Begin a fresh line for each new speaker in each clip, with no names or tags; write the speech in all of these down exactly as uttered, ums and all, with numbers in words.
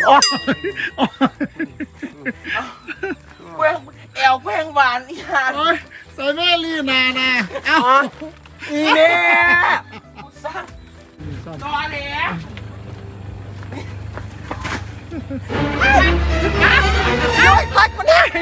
แกงแอวแกงหวานอีห่า
ใส่แม่ลีนานะเอ้า
อีเนี่ยสั่งตอแหลย้อยพักมันได้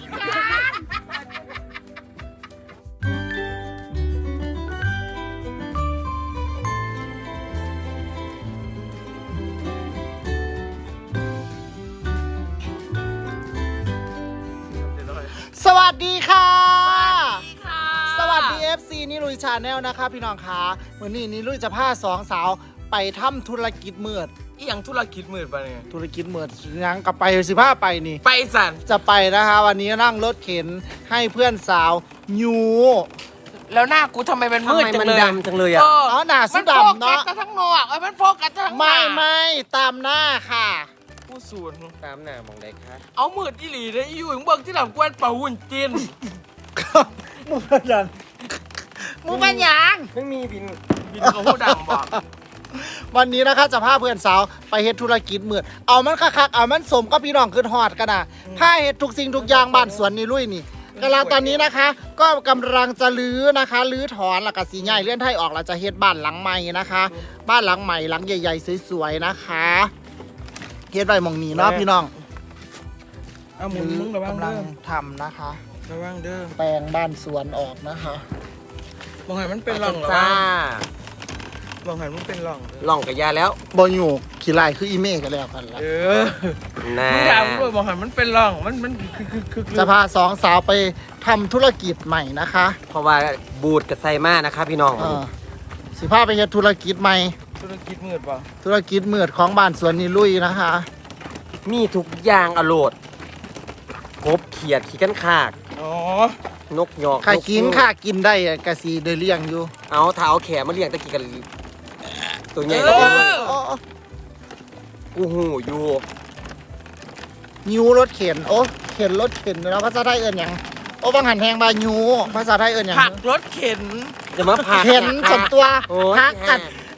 สวัสดีค่ะ
สวัสดีค่ะ
สวัสดี เอฟ ซี นิลุยชาแนลนะคะพี่น้องคะวันนี้นิลุยจะพาสองสาวไปทำธุรกิจมืด
อีหยังธุรกิจมืดปะเนี่ย
ธุรกิจมืดยังกับไปสิผ้าไปนี่
ไปสัน
จะไปนะคะวันนี้นั่งรถเข็นให้เพื่อนสาวยู
แล้วหน้ากูทำไมมันมืดจังเลย
ทำไมมันดำจังเลยอะ
อ๋อหน้าสุดดำเนาะ
มันโฟกัสทั้งนอกเอ้ยมันโฟกัสทั้งหน้า
ไม่ไม่ตามหน้าค่ะ
ผู้ศูนย์
ตามหน้ามองได้ครับ
เอามืดอีหลีเลยอยู่อย่างเบิ่งที่หลังกวนเป่าหุ่นจีน
มูปัญญามูปัญญา
ไม่มีบิน
บินกับผู้ดังบอก
วันนี้นะคะจะพาเพื่อนสาวไปเฮ็ดธุรกิจมืดเอามันคักๆเอามันสมก็พี่น้องขึ้นฮอดกันนะพาเฮ็ดทุกสิ่งทุกอย่างบ้านสวนนี่ลุยนี่กำลังตอนนี้นะคะ ก็กำลังจะรื้อนะคะรื้อถอนแล้วก็สีใหญ่เลื่อนไทยออกเราจะเฮ็ดบ้านหลังใหม่นะคะ บ้านหลังใหม่หลังใหญ่ๆสวยๆนะคะเฮ็ดไว้หมองนี้เนาะพี่น้อง
เอาหมุนมึงระวัง
กำลั
เด้
ง
อ
ทำนะคะ
ระวังเด้อ
แปลงบ้านสวนออกนะคะ
มองหันมันเป็นร่องเหรอ
จ้าว
ะมองหันมันเป็นร่อง
หล่องกับยาแล้ว
บอยูขี้ลายคืออีเมฆกันแล้วกันละ
เออ
นะ
มึงถามด้วยมองหันมันเป็นร่องมันมันคือคือคือคือ
จะพาสองสาวไปทำธุรกิจใหม่นะคะ
เพราะว่าบูดกับไซมานะครับพี่น้อง
เออสิพาไปเฮ็ดธุรกิจใหม่
ธุรกิจมืดป่ะ
ธุรกิจมืดของบ้านสวนนิลุยนะคะ
มีทุกอย่างอโลดกบเขียดขี้กันขาก
อ๋อ
นกหยอก
ใครกิน
กฮูก
ค่ากินได้อะกะสีเดเลี้ยงอยู่
เอาเท้าแขนมาเลี้ยงตะกี้กันตัวใหญ่
เอ
ก็
อ
อ๋อ
กูหูอยู่
ยูรถเข็นโอ้เข็นรถเข็นแล้วภาษาไทยเอิ้นหยังโอ้บางหันแทงบายูภาษาไทยเอิ้นหยัง
ผักรถเข็น
จะมาผัก
เข็นส่วนตัว
โอ้ย
พักกัน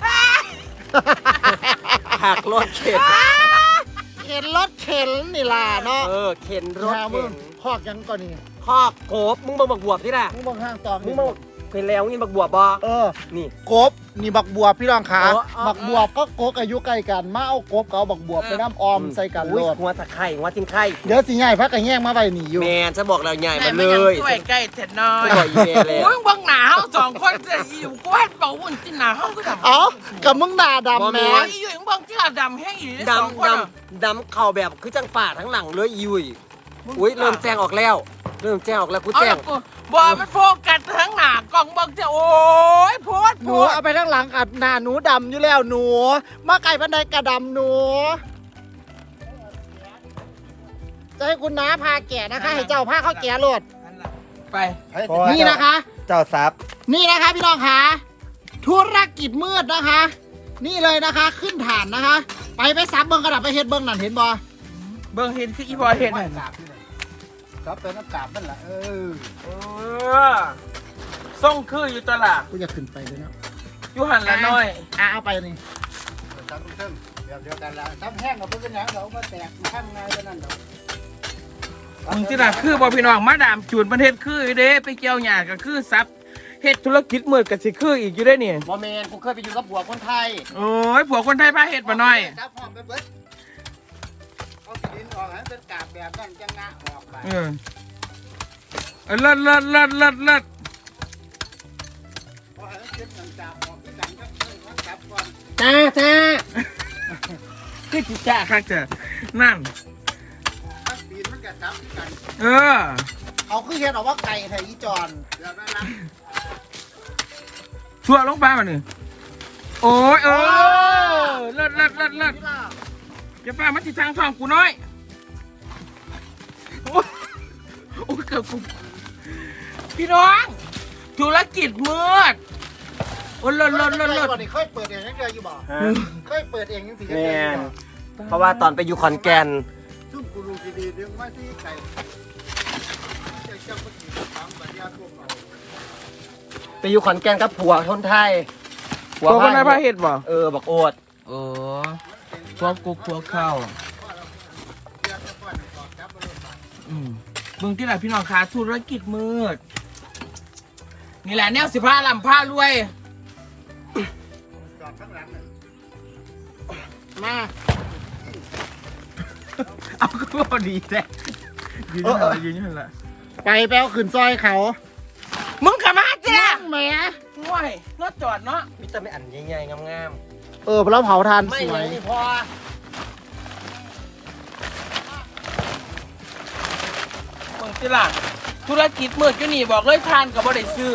ผักรถเข็น
เข็นรถเข็นนี่ล่ะเนาะ
เออเข็นรถ
หามึ
เข็
ง
น
พอกหยังก่อนนี่
คอกโกบมึงมาบักบวบที่ล่ะ
มึงบอกห้างตอง
มึงมาเป็นแล้วงี้บักบวบบ่
เออ
นี่
กบนี่บักบวบพี่น้องขา
อ๋ออ๋อ
บักบวบก็กกอายุใกล้กันมาเอากบกับเอาบักบวบไปน้ำออมใส่กันโล
อุ้ย
ด
หัวตะไคร่หัวจิ้งไข่
เดี๋ยวสิใหญ่พักกันแย่งมาไว้นี่อยู่
แมนจะบอกเราใหญ่
ไหน
มา
มัน
เล
ยัง
ย
ช่วยใกล้เสร็จน้อย
จะบอกอีเมลแล้ว
โอ้ยบังหนาเขาสองคนจะอยู่กวนเป่าหุ่นจีนหนาเขาก็ดำ
เอ้ากับมึงด่าดำแม่
โอ้ยอยู่อย่างบางที่เราดำแห้งอยู่สอง
ดำ
คน
ด
อะ
ำดำเข่าแบบคือจังฝ่าทั้งหลังเลยยุยอุ้ยเริ่มแจ้งออกแล้ว เริ่มแจ้งออกแล้วกู
เอา
แจ้
ละ
ง
กูบอมันโฟกัสทั้งหนากล่องบางจะโอ้ยโพด
ห
โพ
นู
ด
เอาไปทั้งหลังกับหน้าหนูดำอยู่แล้วหนูมาไก่บันไดกระดำหนู จะให้คุณน้าพาแก่นะคะ ให้เจ้าพาเข้าแก่โลด
ไป
นี่นะคะ
เจ้าซับ
นี่นะคะพี่น้องคะธุรกิจมืดนะคะ นี่เลยนะคะ ขึ้นฐานนะคะ ไปไปซับเบิ้งกระดับไปเฮ็ดเบิ้งนั่นเห็นบ่
เบิ่งเห็นคืออีพอเห็นน่ะ
ครับเป็นน้ำกาบนั่นแหละเออ
เออส่งคืออยู่ตลาด
กูจะขึ้นไปเลยนะ
อยู่หันละน้อย
อ่ะเอาไปนี่ซับเพิ่มเดี๋ยวเดียวกันละซับแห้งกับเพิ่งเป็นหยังเรามาแตกข้างในเท่านั้นเรา
มึงที่ละคือบอพี่น้องมาดามจูนประเทศคืออยู่เด้ไปเกี่ยวหยาก็คือซับเฮ็ดธุรกิจมืดกับสิคืออีกอยู่ได้เนี่ย
บอแมนกูเคยไปอยู่กับบัวคนไทย
โอ้ยผัวคนไทยพาเฮ็ดมาหน่อย
ซับหอมไปเบิดเอาดินออกให้เป็นกาบแบบนั้นจังงะออกไป
เออเออเลิศเลิศเลิศเลิศเลิศ
พอให้เก็บน้ำกาบออกด้วยกันก็เพิ่มน้ำกาบก่อน
จ้าจ้า
คือจิจ้าคักเจอนั่น
ถ้าปีนมันจะซับกัน
เออ
เอาคือเห็นออกว่าไก่ไทยอีจอนเดี๋ยวได้ละ
ชั่วลงไปมาหนึ่งโอ้ยเออเลิศเลิศเลิศเลิศอย่าป้ามันติดทางช่องกูน้อยโอ้ยโอ้ยเกือบกูพี่น้องธุรกิจมืดโอ้ยเลิศเลิศเลิศเลิศ
ก่อนนี่เคยเปิดเองยังเดียวอยู่บ่เคยเปิดเองยังสิ
แมนเพราะว่าตอนไปอยู่ขอนแก่น
ซุ่มกูรูดีๆเรื่องว่าที่ไก่จะจับปฏิบัติตามบัญญัติพวกเรา
ไปอยู่ขอนแก่นกับผัวคนไทย
ผัวคนไทยพาเฮ็ดบ่
เออบักโอด
เออพวกกุ๊กพวกข้าว
เพราะเรา
อืมเบิ่งที่ไหนพี่น้องขาธุรกิจมืดนี่แหละแนวสิผ้าลำผ้ารวย
มา
เอาก็พอดีแท้ยืนอยู่นั่นละยืนอยู่นั่นละ
ไปแป้วขึ้นซอยเขา
มึงขับมาจ้ะ
แหม
ห่วยรถจอดเนาะ
มีแต่ไม่อันใหญ่ๆงาม
เออแล้วเผาทาน
ๆไม่
สวย
ยังนี่พอ
เบิ่งที่ละธุรกิจมืดอยู่นี่บอกเลยทานกับบ่ได้ซื้อ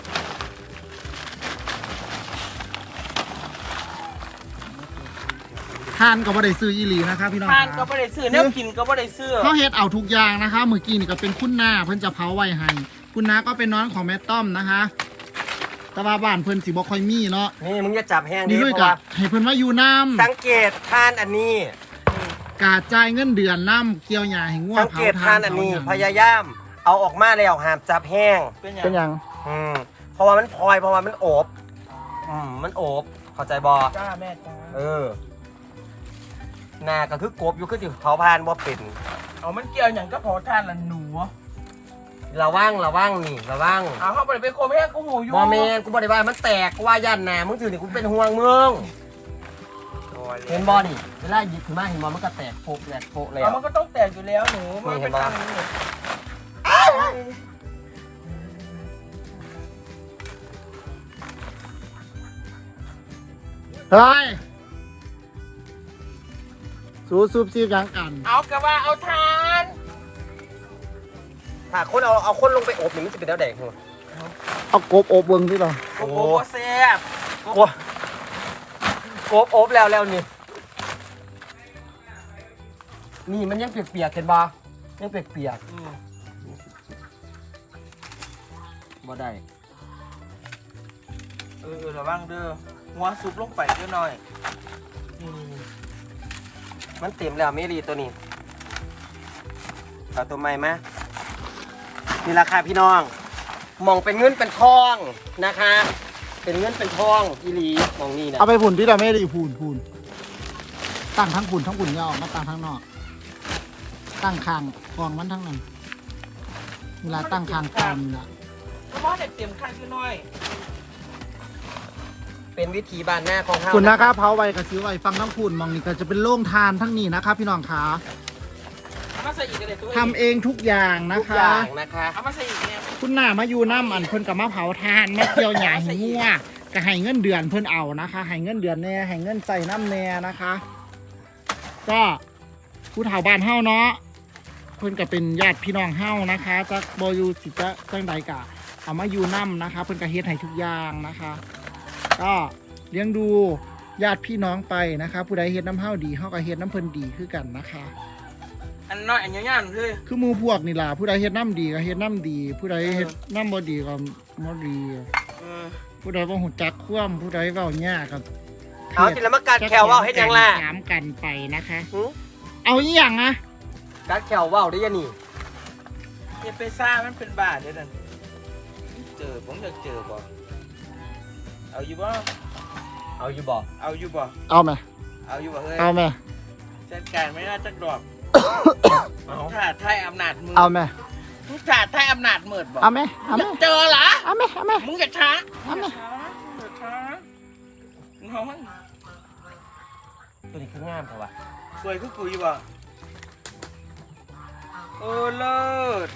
ทานก็บ่ได้ซื้ออีหลีนะคะพี่น้อง
ทานก็
ค่ะ
บ่ได้ซื้อแนวกินก็บ่ได้ซื้อ
เขาเฮ็ดเอาทุกอย่างนะคะเมื่อกี้นี่ก็เป็นคุณนาเพิ่นจะเผาไว้ให้คุณนาก็เป็นน้องของแม่ต้อมนะคะแต่ว่าบ้านเพิ่นสิบ่ค่อยมีเนาะ
นี่มึงจะจับแห้ง
นี่
ดิ
ด้วย
เพ
กั
ราะ
บ
ว่า
ให้เพิ่นมาอยู่น้ำ
สังเกตทานอันนี้
กาจ่ายเงินเดือนน้ำเกี่ยวหญ้าให้งัว
สัง
เผา
เกต
ทา
ทาน นอันนี้
เผาห
พ
ยัง
ยายามเอาออกมาแล้วห้ามจับแห้ง
เป็นหยัง
เป็นหยัง
อืมเพราะว่ามันพลอยเพราะว่ามันโอบอืมมันโอบเข้าใจบอ
จ้าแม่จ้า
เออหนาก็คือกบอยู่คือสิเผาพานบ่เป็น
เอามันเกี่ยวหยังก็พอทานละหนู
ระวังระวังนี่ระวัง
เอาเข้าไปไปโคมแห้งกูหูอยู่
บอแมนกูบอกได้ว่ามันแตกกูว่าย่านหนามึงถือนี่กูเป็นห่วงมึงเห็นบอนี่เวลาหยิบขึ้นมาเห็นบอมันก็แตกโปะแตกโปะแล้
เอา
ว
มันก็ต้องแตกอยู่แล้วหนูมัน
นี่เห็
เป็น
นปะ
ทางนี้
เฮ้ยสู้ซุบซีบหยังกัน
เอากะว่าเอาทาน
ถ้าคนเอาเอาคนลงไปอบนี่มันจะเป็นแนวแดงหัว
เอากบอบเบิ่งที่เรา
โอ้โหแซ่บ
กลัวกบอบแล้วแล้วนี่นี่มันยังเปียกๆเห็นบอยังเปียก
อืม
ๆบ่ได้
เออระวังเด้อหัวซุปลงไปเด้อหน่อย
อืมมันเต็มแล้วเมรีตัวนี้เอาตัวใหม่มานี่ราคาพี่น้องมองเป็นเงินเป็นทองนะคะ เป็นเงินเป็นทองอีหลีมองนี่นะ
เอาไปผุ่นที่เราไม่ได้ผุ่นผุ่นตั้งทั้งผุ่นทั้งผุ่นยาวมาตั้งทั้งนอก ตั้งคางกองมันทั้งนั้นเวลาตั้งคางกองนี่ละ
เพราะว่าเด็กเตรียมข้างขึ้นหน่อย
เป็นวิธีบ้านหน้าของเฮา
คุณนะครับเผาไว้กับซื้อไว้ฟังทั้งผุ่นมองนี่ก็จะเป็นโล่งทานทั้งนี้นะครับพี่น้องขา
เอามาใส่อีกกันเลยตัว
ทำเองทุกอย่างนะ
ทุกอ
คะ
ย่างนะคะ
เอามาใส่อีกเนี่ย
คุณหน้ามาอยู่น้ำอันเพิ่นกับมาเผาทานมาเกี่ยวหยาหิงัวก็ให้เงินเดือนเพิ่นเอานะคะให้เงินเดือนแน่ให้เงินใส่น้ำแน่นะคะ ก็ผู้เฒ่าบ้านเฮาเนาะเพิ่นก็เป็นญาติพี่น้องเฮานะคะจักบอยู่สิจะจังใดกะเอามาอยู่น้ำนะคะเพิ่นก็เฮ็ดให้ทุกอย่างนะคะ ก็เลี้ยงดูญาติพี่น้องไปนะคะ ผู้ใดเฮ็ดน้ำเฮาดีเฮาก็เฮ็ดน้ำเพิ่นดีคือกันนะคะ
อันน้อยอันยาวๆเลย
คือหมู่พวกนี่ล่ะผู้ใดเฮ็ดน้ำดีก็เฮ็ดน้ำดี ผู้ใดเฮ็ดน้ำบ่ดีก็บ่ดี
เออ
ผู้ใดบ่ฮู้จักความผู้ใดเว้าหยากับ
เอาทีละมากัดแขวว่าวเฮ็ดหยังล่ะ
ถามกันไปนะคะ
หือ
เอาอีหยังอะ
กัดแขวว่าวได้ยังนี่
อย่าไปซ่ามันเป็นบาทเด้อนั่นเจอผมอยากเจอบ่เอาอยู่บ่
เอาอยู่บ่
เอาอยู่บ่
เอาไหม
เอาอยู่บ่เฮ้ย
เอาไหม
จัดการไม่น่าจักดอก
เอา
ถ่าไทยอำนาจมืด
เอาไหม
มึงถ่าไทยอำนาจมืดบ่
เอาไหมเอาไหม
เจอเหรอ
เอาไหมเอาไหม
มึงอย่าช้า
เอาไหม
อย่าช้าน้อง
ตัวนี้คืองามเถอะวะ
สวยคือกูอยู่บ่เออเลิศ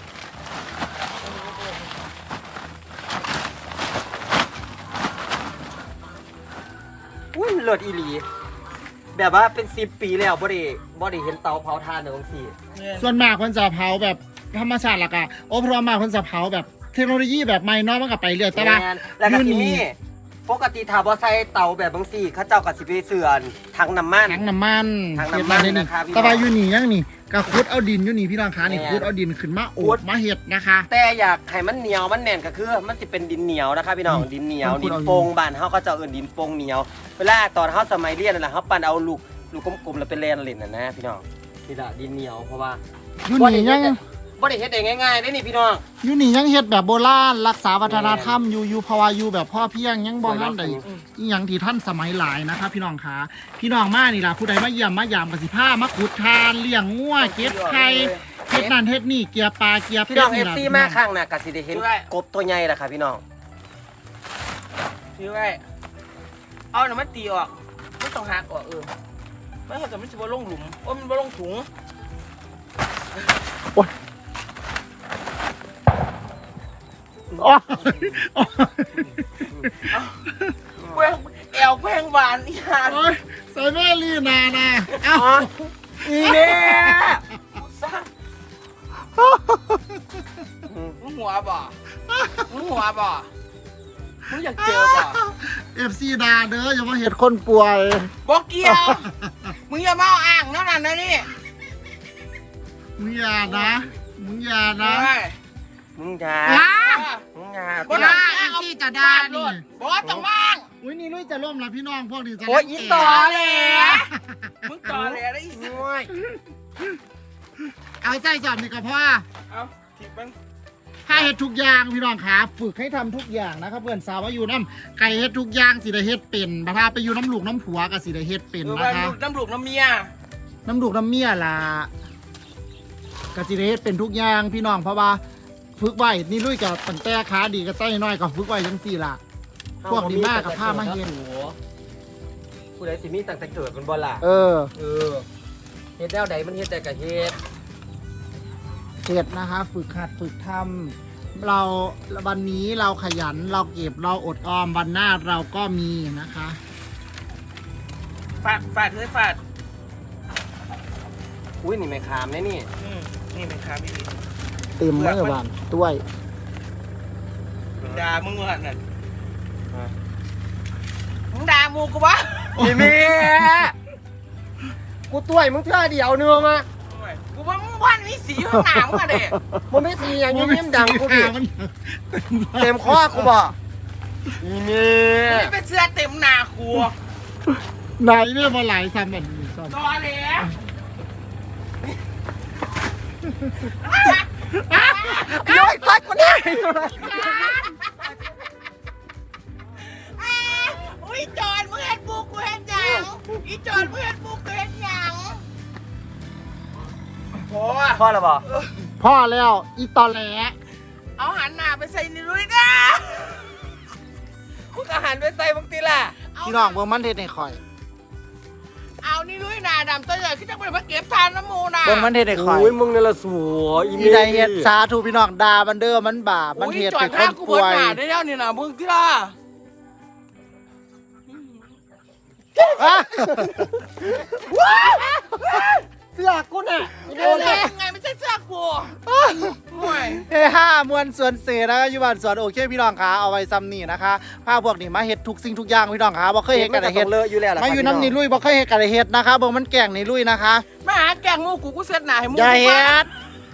อุ้ยเลิศอีหลี แบบว่าเป็นสิบปีแล้วบ่ได้บ่ได้เห็นเตาเผาถ่านในองค์สี่
เนี่ย
ส่วนมากคนจะเผาแบบธรรมชาติละกะโอ้เพราะมากคนจะเผาแบบเทคโนโลยีแบบใหม่เนาะมันก็ไปเรื่อยแต่ว่า
แม่นแล้วก็สิ
อยู่นี่
มีปกติถ้าบ่ใส่เตาแบบบางสี่เขาเจ้าก็สิไปเสื่อนถังน้ำมัน
ถังน้ำมัน
ถังน้ำมัน
เฮ็ดาได้
นะครับพี่น้อง
แต่ว่าอยู่นี่ยังนี่ก็ขุดเอาดินอยู่นี่พี่น้องคะนี่
แม่น
ขุดเอาดินขึ้นมาโอ
ขุ
บ
ด
มาเฮ็ดนะคะ
แต่อยากให้มันเหนียวมันแน่นก็คือ มันสิเป็นดินเหนียวนะคะพี่น้อง
อืม
ดินเหนียว
มันขุ
ดิ
ด
น
เอาอยู่
โป่งบ้านเฮาก็จะเอิ้นดินโป่งเหนียว เวลาตอนเฮาสมัยเรียนนั่นแหละเฮาปั่นเอาลูกลูกกลมๆแล้วไปแล่นเล่นน่ะนะพี่น้องนี่ล่ะดินเหนียวเพราะว่า
อยู่
บ่
นี่
ได้
ยั
เฮ็
ง
ดบ่ได้เฮ็ดได้ง่ายๆเด้นี่พี่น้อง
อยู่นี่ยังเฮ็ดแบบโบราณรักษาวัฒนธรรมอยู่อยู่เพราะว่าอยู่แบบพ่อเพียงยังบ่ทันได้อีหยังที่ท่านสมัยหลายนะคะพี่น้องคะพี่น้องมานี่ล่ะผู้ใดมาเยี่ยมมายามกสิพามาขุดทานเลี้ยงงัวเก็บไข่เฮ็ดฮ็ดนั่นเฮ็ดนี่เกียร์ปลาเกียร์
พี่
เป็
น้
ด
องเอ
นี่
ฟ
ล่ะ
ซี
พี่น้
มา
อง
ข้างน่ะกะสิได้เห็นกบตัวใหญ่ล่ะค่ะพี่น้อง
ถือไว้เอาหน่ะมันตีออกไม่ต้องหักออกเออไม่งั้นจะมันจะบ่ลงหลุมโอ้มันบ่ลงถุง
อ๋อ
แกว้งแอวแกว้งหวานอีหาน
โอ้ยใส่แม่ลีนานะเอ้า
อีเนี่ยสร้างมึงหัวบ่มึงหัวบ่มึงอยากเจอบ่
เอฟซีดาเด้ออย่ามาเห็ดคนป่วย
บ่เกี่ยวมึงอย่ามาเอาอ่างนั่นน่ะนะนี่
มึงอย่านะมึงอย่านะ
เฮ้ย
มึงอย่า
อ้า
มึงอย่า
บ่
พี่น้
ต้
อ
อง
ง
เอา
ที่จะด่านี่
บ่ต้องบ้าง
อุ้ยนี่ลุยจะล่มแล้วพี่น้องพวกนี้จะ
โอ้ยอีต่อ
ต่อ
เล
เลย
ย
มึงต่อเลยได้อีสิ
โอ้ย
เอาใจจอดนี่ก็พอ
เอาทิปมัน
ถ้าเฮ็ดทุกอย่างพี่น้องขาฝึกให้ทำทุกอย่างนะครับเพื่อนสาวว่าอยู่น้ำไก่เฮ็ดทุกอย่างสิได้เฮ็ดเป็นบัดถ้าไปอยู่น้ำลูกน้ำผัวก็สิได้เฮ็ดเป็น
เออ
นะ
ว่า
คะ
ลูกน้ำลูกน้ำเมีย
น้ำลูกน้ำเมียล่ะก็สิได้เฮ็ดเป็นทุกอย่างพี่น้องเพราะว่าฝึกไว้นี่ลุยกับตั้งแต่ขาดีกับไต้น้อยก็ฝึกไว้จังซี่ล่ะ พวกดีมากกับผ้ามาเฮ็ด
ผู้ใดสิมีตั้งแต่เกิดมันบ่ล่ะ
เออ
เออเฮ็ดแนวใดมันเฮ็ดแต่กะเฮ็ด
เฮ็ดนะคะ ฝึกหัดฝึกทำเราวันนี้เราขยันเราเก็บเราอดออมวันหน้าเราก็มีนะคะ
ฟาดฟาดเฮ้ยฟาด
อุ้ยนี่ไม่ขามแน่นี่
อืมนี่เป็นคาพี่
เต็มมือบ้านด้วย
ด่ามึงว่านั่นมึงด่ามูกูวะ
อีเมียกูต่วยมึงเท่าเดียวเนื้อมา
กูว่ามึงวันมีสีข้างหน้ามึงอะเด็ก
มันไม่สีอย่างนี้ยิ้มดังกูดิ
มัน
เต็มข้อกูบอกอีเมีย
มึงเป็นเสื้อเต็มหน้ากู
ไหนเนี่ยมาหลายซ้ำแบบนี้ซ้
ตอแหล
ย้อยซัดกูเนี่ย
อุ้ยจอนมึงเห็นปูกูเห็นยังอีจอนมึงเห็นปูกูเห็นยังโอ้
พ่อแล้วบอก
ำพ่อแล้วอีตอแหล
เอาหันหน้าไปใส่นี่ด้วยนะ
กูก็หันไปใส่มึงตีล่ะ
พี่น้องเบิ่งมันเฮ็ดให้ข่อย
เอานี่ด้วยหน้าดำตัวใหญ่ขึ้นจะไปมาเก็บทานน้ำมูน่ะ
เบิ่งมันเฮ็ดให้ข่อย
โอ้ยมึงนี่ละสวยอี
อี
เมีย
ใดเฮ็ดสาธุพี่น้องดามันเด้อมันบาปมันเฮ็ด
จอ
ให้
ด
ค
ข้าน กูบ
ป่
น
วย
หน้าได้แล้วนี่นะมึงที่ล่ะ
อ่ะ
เสื้อกูน่ะ
เสื้อยังไงไม่ใช่เสื้อกูโอ้ย
เฮ้ห้ามวนสวนเสนะคะอยู่บ้านสวนโอเคพี่น้องคะเอาไว้ซ้ำนี่นะคะพาพวกนี้มาเฮ็ดทุกสิ่งทุกอย่างพี่น้องคะบ่เคยเฮ็ดกันได้เฮ็ด
เลอะอยู่แล้วล่ะ
มาอยู่น้ำนี่ลุยบ่เคยเฮ็ดกันได้เฮ็ดนะคะเบิ่งมันแกล้งนี่ลุยนะคะ
มาหาแกงมูกูกูเสื้อหนาให้มู
อย่าเฮ็ด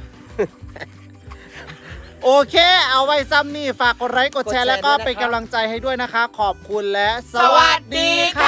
โอเค เอาไว้ซ้ำนี่ฝากกดไลค์กดแชร์แล้วก็เป็นกำลังใจให้ด้วยนะคะ ขอบคุณและ
สวัสดีค่ะ